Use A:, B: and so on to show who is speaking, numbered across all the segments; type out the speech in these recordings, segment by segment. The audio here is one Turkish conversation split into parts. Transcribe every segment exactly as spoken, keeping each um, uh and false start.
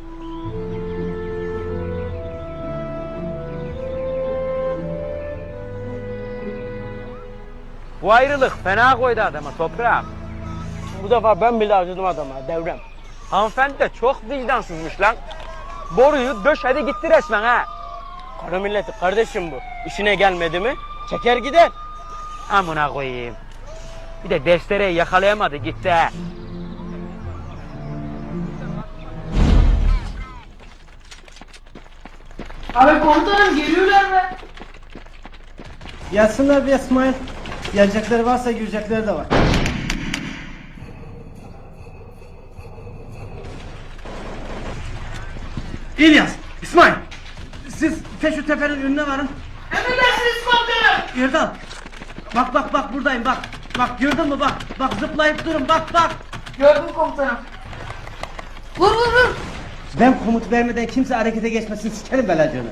A: Bu ayrılık fena koydu adama toprağım.
B: Bu defa ben bile acıdım adama Devrem.
A: Hanımefendi de çok vicdansızmış lan. Boruyu döşedi gitti resmen ha.
B: Kara milleti kardeşim bu. İşine gelmedi mi çeker gider.
A: Amına koyayım. Bir de destereyi yakalayamadı gitti ha.
C: Abi komutanım geliyorlar mı?
D: Yazsınlar bir İsmail. Gelecekleri varsa girecekleri de var. İlyas, İsmail. Siz Feşu Tepe'nin önüne varın.
C: Emredersiniz komutanım.
D: Erdal. Bak bak bak buradayım bak. Bak gördün mü bak. Bak zıplayıp durun bak bak.
C: Gördüm komutanım. Vur vur vur.
D: Ben komut vermeden kimse harekete geçmesin, sikerim belacığını.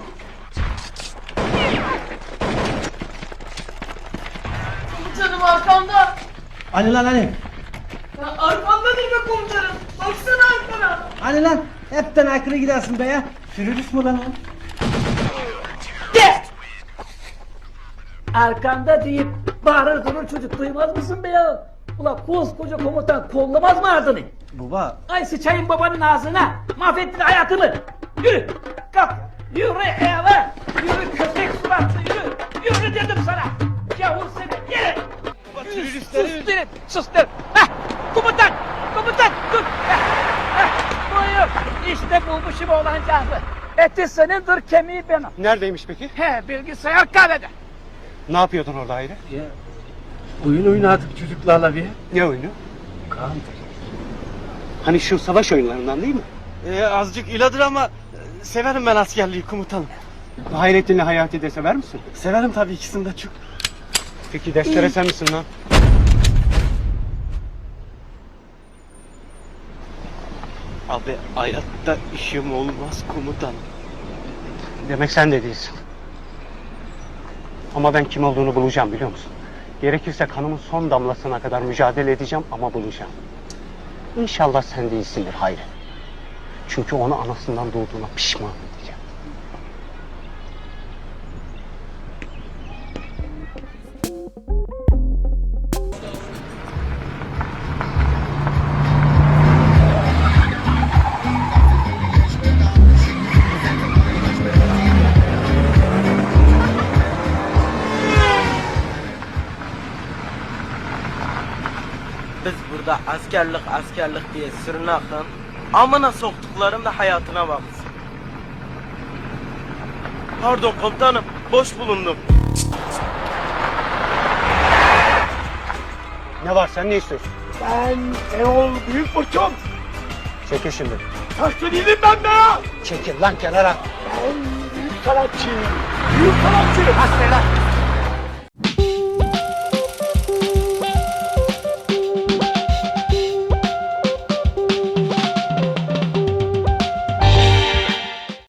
C: Komutanım arkamda.
D: Hani lan hani.
C: Ya arkamda değil mi komutanım? Baksana arkana.
D: Hani lan. Hepten aykırı gidersin be ya. Sürürüz mü lan o?
E: De! Arkanda deyip bağırır durur çocuk duymaz mısın be ya? Ulan koskoca komutan kollamaz mı ardını?
D: Baba.
E: Ay sıçayım babanın ağzına. Mahvettin hayatımı. Yürü. Kalk. Yürü eve. Yürü köpek suratlı yürü. Yürü dedim sana. Yavur seni. Yürü. Yürü, sus dedim. Sus dedim. Heh. Komutan. Komutan. Dur. Heh. Heh. Buyur. İşte bulmuşum oğlancağızı. Eti senindir, kemiği benim.
D: Neredeymiş peki?
E: He, bilgisayar kahvede.
D: Ne yapıyordun orada ayrı?
B: Ya, oyun oynadık çocuklarla bir.
D: Ne oyunu?
B: Kaan.
D: Hani şu savaş oyunlarından değil mi?
B: Ee, azıcık iladır ama e, severim ben askerliği komutanım.
D: Hayrettin'le Hayati de sever misin?
B: Severim tabii ikisini de çok.
D: Peki destere sen misin lan?
B: Abi hayatta işim olmaz komutanım.
D: Demek sen de değilsin. Ama ben kim olduğunu bulacağım biliyor musun? Gerekirse kanımın son damlasına kadar mücadele edeceğim ama bulacağım. İnşallah sen değilsindir Hayri. Çünkü onu anasından doğduğuna pişman edeceğim.
B: Biz burada askerlik askerlik diye sırnakın amına soktuklarım da hayatına baksın. Pardon komutanım, boş bulundum.
D: Ne var sen ne istiyorsun?
B: Ben Erol Büyük Burçum.
D: Çekil şimdi.
B: Taşlı değilim ben be ya.
D: Çekil lan kenara.
B: Ben büyük sanatçı. Büyük sanatçı.
D: Hadi lan.